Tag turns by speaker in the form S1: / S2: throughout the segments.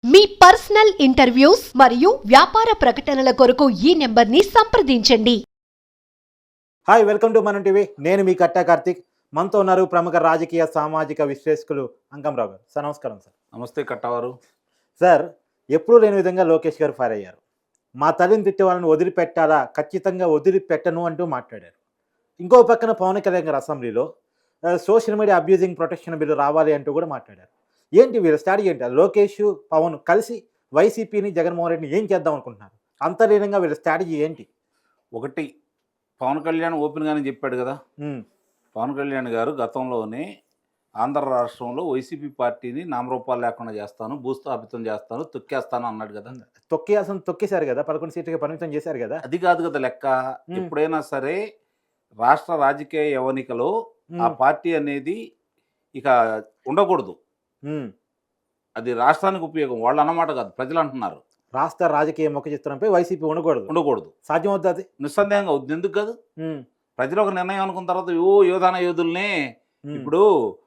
S1: మీ personal interviews మరియు వ్యాపార ప్రకటనల కొరకు ఈ నెంబర్ని సంప్రదించండి.
S2: Hi, welcome to Manam TV. నేను మీ కట్టా కార్తిక్. మనతో ఉన్నారు ప్రముఖ రాజకీయ సామాజిక విశ్లేషకులు అంకంరావు గారు. సార్ నమస్కారం. సార్
S3: నమస్తే కట్టవారు.
S2: సార్, ఎప్పుడూ లేని విధంగా లోకేష్ గారు ఫైర్ అయ్యారు. మా తల్లిని తిట్టే వాళ్ళని వదిలిపెట్టాలా, ఖచ్చితంగా వదిలిపెట్టను అంటూ మాట్లాడారు. ఇంకో పక్కన పవన్ కళ్యాణ్ గారు అసెంబ్లీలో social media abusing protection bill రావాలి అంటూ కూడా మాట్లాడారు. ఏంటి వీళ్ళ స్ట్రాటజీ ఏంటి? లోకేష్ పవన్ కలిసి వైసీపీని జగన్మోహన్ రెడ్డిని ఏం చేద్దాం అనుకుంటున్నారు? అంతర్లీనంగా వీళ్ళ స్ట్రాటజీ ఏంటి?
S3: ఒకటి, పవన్ కళ్యాణ్ ఓపెన్గానే చెప్పాడు కదా. పవన్ కళ్యాణ్ గారు గతంలోనే ఆంధ్ర రాష్ట్రంలో వైసీపీ పార్టీని నామరూపాలు లేకుండా చేస్తాను, భూస్థాపితం చేస్తాను, తొక్కేస్తాను అన్నాడు కదా.
S2: తొక్కేశారు కదా, 11 సీట్లకి పరిమితం చేశారు కదా.
S3: అది కాదు కదా లెక్క. ఎప్పుడైనా సరే రాష్ట్ర రాజకీయ యవనికలో ఆ పార్టీ అనేది ఇక ఉండకూడదు. అది రాష్ట్రానికి ఉపయోగం. వాళ్ళు అన్నమాట కాదు, ప్రజలు అంటున్నారు.
S2: రాష్ట్ర రాజకీయ ముఖ చిత్రంపై వైసీపీ ఉండకూడదు. సాధ్యం అవుతుంది?
S3: నిస్సందేహంగా అవుతుంది. ఎందుకు కాదు? ప్రజలు ఒక నిర్ణయం అనుకున్న తర్వాత యోధాన యోధుల్నే ఇప్పుడు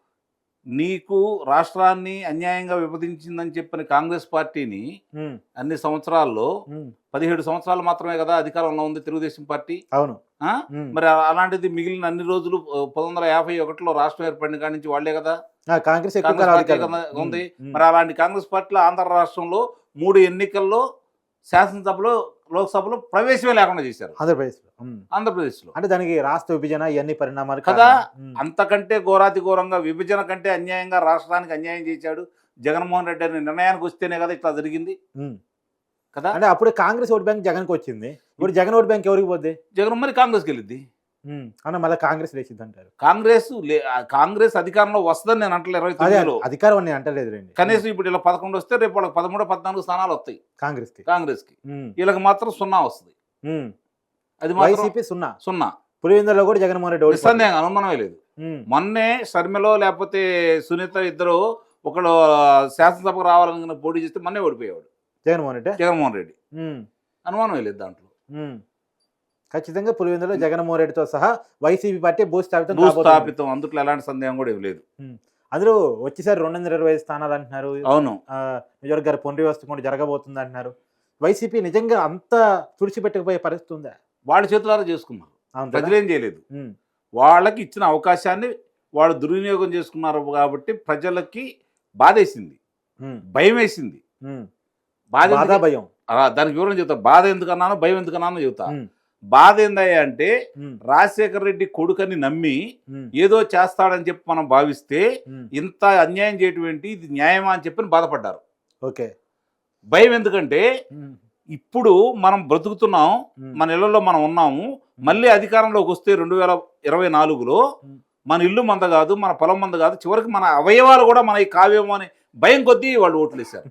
S3: నీకు రాష్ట్రాన్ని అన్యాయంగా విభజించిందని చెప్పిన కాంగ్రెస్ పార్టీని అన్ని సంవత్సరాల్లో 17 సంవత్సరాలు మాత్రమే కదా అధికారంలో ఉంది తెలుగుదేశం పార్టీ.
S2: అవును.
S3: మరి అలాంటిది మిగిలిన అన్ని రోజులు 1951లో రాష్ట్రం ఏర్పడిన కాడి నుంచి వాళ్లే కదా
S2: కాంగ్రెస్
S3: ఉంది. మరి అలాంటి కాంగ్రెస్ పార్టీలో ఆంధ్ర రాష్ట్రంలో 3 ఎన్నికల్లో శాసనసభలో లోక్సభలో ప్రవేశమే లేకుండా చేశారు ఆంధ్రప్రదేశ్లో.
S2: అంటే దానికి రాష్ట్ర విభజన ఇవన్నీ పరిణామాలు
S3: కదా. అంతకంటే ఘోరాతి ఘోరంగా విభజన కంటే అన్యాయంగా రాష్ట్రానికి అన్యాయం చేశాడు జగన్మోహన్ రెడ్డి అనే నిర్ణయానికి వస్తేనే కదా ఇట్లా జరిగింది కదా.
S2: అంటే అప్పుడు కాంగ్రెస్ ఓట్ బ్యాంక్ జగన్కి వచ్చింది, ఇప్పుడు జగన్ ఓట్ బ్యాంక్ ఎవరికి పోద్ది?
S3: జగన్ మరి కాంగ్రెస్కి వెళ్ళిద్ది.
S2: అన్న మళ్ళీ కాంగ్రెస్ లేచింది అంటారు.
S3: కాంగ్రెస్ అధికారంలో వస్తుందని నేను అంటలేదు. 29లో
S2: అధికారం అని అంటలేదు.
S3: కనీసం ఇప్పుడు ఇలా 11 వస్తే రేపు వాళ్ళకి 13, 14 స్థానాలు వస్తాయి కాంగ్రెస్కి. వీళ్ళకి మాత్రం 0 వస్తుంది. అది
S2: వైసీపీ 0. పులివెందులలో కూడా జగన్మోహన్ రెడ్డి
S3: నిస్సందేహంగా అనుమానమే లేదు. మొన్నే షర్మిలో లేకపోతే సునీత ఇద్దరు ఒకళ్ళు శాసనసభకు రావాలని పోటీ చేస్తే మొన్నే ఓడిపోయేవాడు జగన్మోహన్ రెడ్డి. అనుమానమే లేదు దాంట్లో.
S2: ఖచ్చితంగా పులివెందులో జగన్మోహన్ రెడ్డితో సహా వైసీపీ పార్టీ
S3: భూస్థాపితం, అందుట్లో ఎలాంటి సందేహం కూడా ఏం లేదు.
S2: అందులో వచ్చేసారి 225 స్థానాలు అంటున్నారు.
S3: అవును.
S2: నియోజకవర్గ పునర్వ్యవస్థ కూడా జరగబోతుంది అంటున్నారు. వైసీపీ నిజంగా అంత తుడిచిపెట్టకపోయే పరిస్థితి ఉందా?
S3: వాళ్ళ చేతులారా చేసుకున్నారు, ప్రజలేం చేయలేదు. వాళ్ళకి ఇచ్చిన అవకాశాన్ని వాళ్ళు దుర్వినియోగం చేసుకున్నారు కాబట్టి ప్రజలకి బాధేసింది, భయం వేసింది.
S2: భయం,
S3: దానికి వివరణ చెబుతా. బాధ ఎందుకన్నానో భయం ఎందుకన్నానో చెబుతా. బాధ ఏందయ్యా అంటే రాజశేఖర రెడ్డి కొడుకని నమ్మి ఏదో చేస్తాడని చెప్పి మనం భావిస్తే ఇంత అన్యాయం చేయటువంటి ఇది న్యాయమా అని చెప్పి బాధపడ్డారు.
S2: ఓకే.
S3: భయం ఎందుకంటే ఇప్పుడు మనం బ్రతుకుతున్నాం, మన ఇళ్లలో మనం ఉన్నాము. మళ్ళీ అధికారంలోకి వస్తే 2024లో మన ఇల్లు మంద కాదు, మన పొలం మంద కాదు, చివరికి మన అవయవాలు కూడా మన కావేమో అని భయం కొద్దీ వాళ్ళు ఓట్లు వేశారు.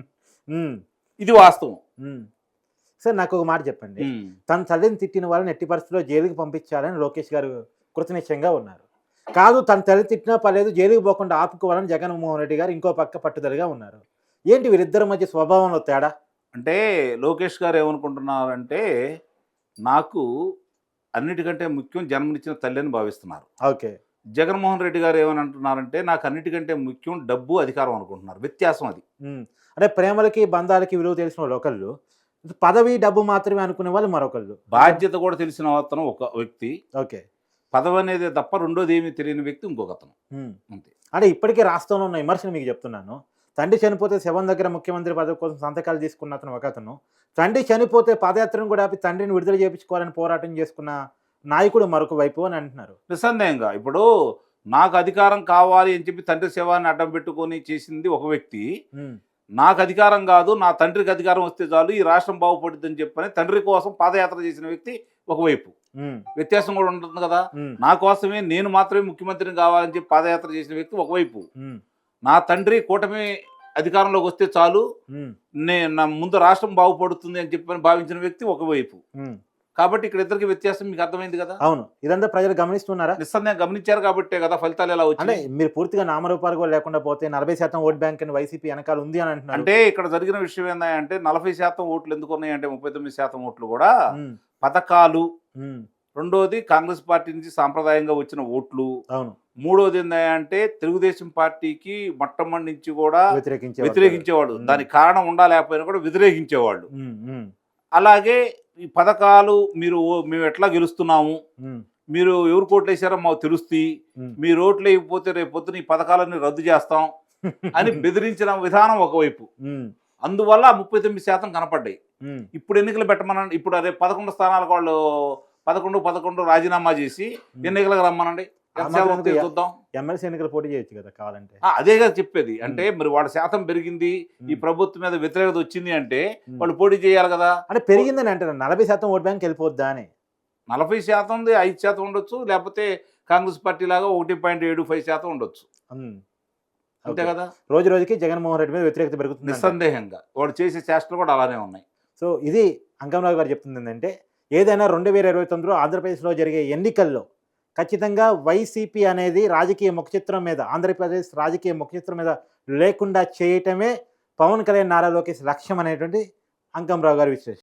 S3: ఇది వాస్తవం.
S2: సార్, నాకు ఒక మాట చెప్పండి. తన తల్లిని తిట్టిన వాళ్ళని ఎట్టి పరిస్థితిలో జైలుకి పంపించాలని లోకేష్ గారు కృతనిశ్చయంగా ఉన్నారు. కాదు, తన తల్లి తిట్టినా పర్లేదు, జైలుకి పోకుండా ఆపుకోవాలని జగన్మోహన్ రెడ్డి గారు ఇంకో పక్క పట్టుదలగా ఉన్నారు. ఏంటి వీరిద్దరి మధ్య స్వభావంలో తేడా?
S3: అంటే లోకేష్ గారు ఏమనుకుంటున్నారంటే నాకు అన్నిటికంటే ముఖ్యం జన్మనిచ్చిన తల్లి అని భావిస్తున్నారు.
S2: ఓకే.
S3: జగన్మోహన్ రెడ్డి గారు ఏమని అంటున్నారంటే నాకు అన్నిటికంటే ముఖ్యం డబ్బు, అధికారం అనుకుంటున్నారు. వ్యత్యాసం అది.
S2: అంటే ప్రేమలకి బంధాలకి విలువ తెలిసిన వాళ్ళు ఒకళ్ళు, పదవి డబ్బు మాత్రమే అనుకునే వాళ్ళు మరొకళ్ళు.
S3: బాధ్యత కూడా తెలిసిన అతను ఒక వ్యక్తి.
S2: ఓకే.
S3: పదవి అనేది తప్ప రెండోది ఏమీ తెలియని వ్యక్తి ఇంకొక అతను.
S2: అంతే. అంటే ఇప్పటికే రాష్ట్రంలో ఉన్న విమర్శను మీకు చెప్తున్నాను. తండ్రి చనిపోతే శవం దగ్గర ముఖ్యమంత్రి పదవి కోసం సంతకాలు తీసుకున్న అతను ఒక అతను, తండ్రి చనిపోతే పాదయాత్రను కూడా ఆపి తండ్రిని విడుదల చేయించుకోవాలని పోరాటం చేసుకున్న నాయకుడు మరొక వైపు అని అంటున్నారు.
S3: నిస్సందేహంగా ఇప్పుడు నాకు అధికారం కావాలి అని చెప్పి తండ్రి శవాన్ని అడ్డం పెట్టుకొని చేసింది ఒక వ్యక్తి. నాకు అధికారం కాదు, నా తండ్రికి అధికారం వస్తే చాలు, ఈ రాష్ట్రం బాగుపడుతుందని చెప్పని తండ్రి కోసం పాదయాత్ర చేసిన వ్యక్తి ఒకవైపు. వ్యత్యాసం కూడా ఉంటుంది కదా. నా కోసమే, నేను మాత్రమే ముఖ్యమంత్రిని కావాలని చెప్పి పాదయాత్ర చేసిన వ్యక్తి ఒకవైపు. నా తండ్రి కూటమి అధికారంలోకి వస్తే చాలు, నా ముందు రాష్ట్రం బాగుపడుతుంది అని చెప్పని భావించిన వ్యక్తి ఒకవైపు. కాబట్టి ఇక్కడ ఇద్దరికి వ్యత్యాసం మీకు అర్థమైంది కదా.
S2: అవును. ఇదంతా ప్రజలు గమనిస్తున్నారా?
S3: నిస్సందేహంగా గమనించారు కాబట్టే కదా ఫలితాలు ఎలా వచ్చాయి.
S2: మీరు పూర్తిగా నామరూపాలు కూడా లేకుండా పోతే 40% ఓట్ బ్యాంక్ అని వైసీపీ వెనకాల ఉంది అని అంటున్నారు.
S3: అంటే ఇక్కడ జరిగిన విషయం ఏంటంటే 40% ఓట్లు ఎందుకు ఉన్నాయంటే 39% ఓట్లు కూడా పథకాలు, రెండోది కాంగ్రెస్ పార్టీ నుంచి సాంప్రదాయంగా వచ్చిన ఓట్లు,
S2: అవును.
S3: మూడోది ఏంటంటే తెలుగుదేశం పార్టీకి మొట్టమొదటి నుంచి కూడా వ్యతిరేకించేవాడు.
S2: ఉమ్.
S3: దానికి కారణం లేకపోయినా కూడా వ్యతిరేకించేవాళ్ళు.
S2: ఉమ్, ఉమ్,
S3: అలాగే ఈ పథకాలు మేము ఎట్లా గెలుస్తున్నాము,
S2: ఉమ్,
S3: మీరు ఎవరు కోట్లు వేసారో మాకు తెలుస్తాయి,
S2: ఉమ్.
S3: మీరు ఓట్లు వేయకపోతే రేపు పొద్దున ఈ పథకాలన్నీ రద్దు చేస్తాం అని బెదిరించిన విధానం ఒకవైపు.
S2: ఉమ్,
S3: అందువల్ల 39% కనపడ్డాయి.
S2: ఉమ్,
S3: ఇప్పుడు ఎన్నికలు పెట్టమనండి, ఇప్పుడు రేపు 11 స్థానాలకు వాళ్ళు 11 రాజీనామా చేసి ఎన్నికలకు రమ్మనండి, ఎంత శాతం వస్తాయో చూద్దాం.
S2: ఎమ్మెల్సీ ఎన్నికలు పోటీ చేయొచ్చు కదా కావాలంటే.
S3: అదే కదా చెప్పేది. అంటే మరి వాళ్ళ శాతం పెరిగింది, ఈ ప్రభుత్వం మీద వ్యతిరేకత వచ్చింది అంటే వాళ్ళు పోటీ చేయాలి కదా.
S2: అంటే పెరిగిందని అంటారు, 40% ఓట్ బ్యాంక్ వెళ్ళిపోద్దా అని.
S3: 40% 5% ఉండొచ్చు, లేకపోతే కాంగ్రెస్ పార్టీ లాగా 1.75% ఉండొచ్చు,
S2: ఉమ్,
S3: అంతే
S2: ఓకే.
S3: కదా.
S2: రోజు రోజుకి జగన్మోహన్ రెడ్డి మీద వ్యతిరేకత పెరుగుతుంది.
S3: నిస్సందేహంగా వాడు చేసే చేష్టలు కూడా అలానే ఉన్నాయి.
S2: సో ఇది అంకమరావు గారు చెప్తుంది ఏంటంటే, ఏదైనా 2029లో ఆంధ్రప్రదేశ్లో జరిగే ఎన్నికల్లో ఖచ్చితంగా వైసీపీ అనేది రాజకీయ ముఖచిత్రం మీద, ఆంధ్రప్రదేశ్ రాజకీయ ముఖచిత్రం మీద లేకుండా చేయటమే పవన్ కళ్యాణ్ నారా లోకేష్ లక్ష్యం అనేటువంటి అంకమరావు గారి విశ్లేషణ.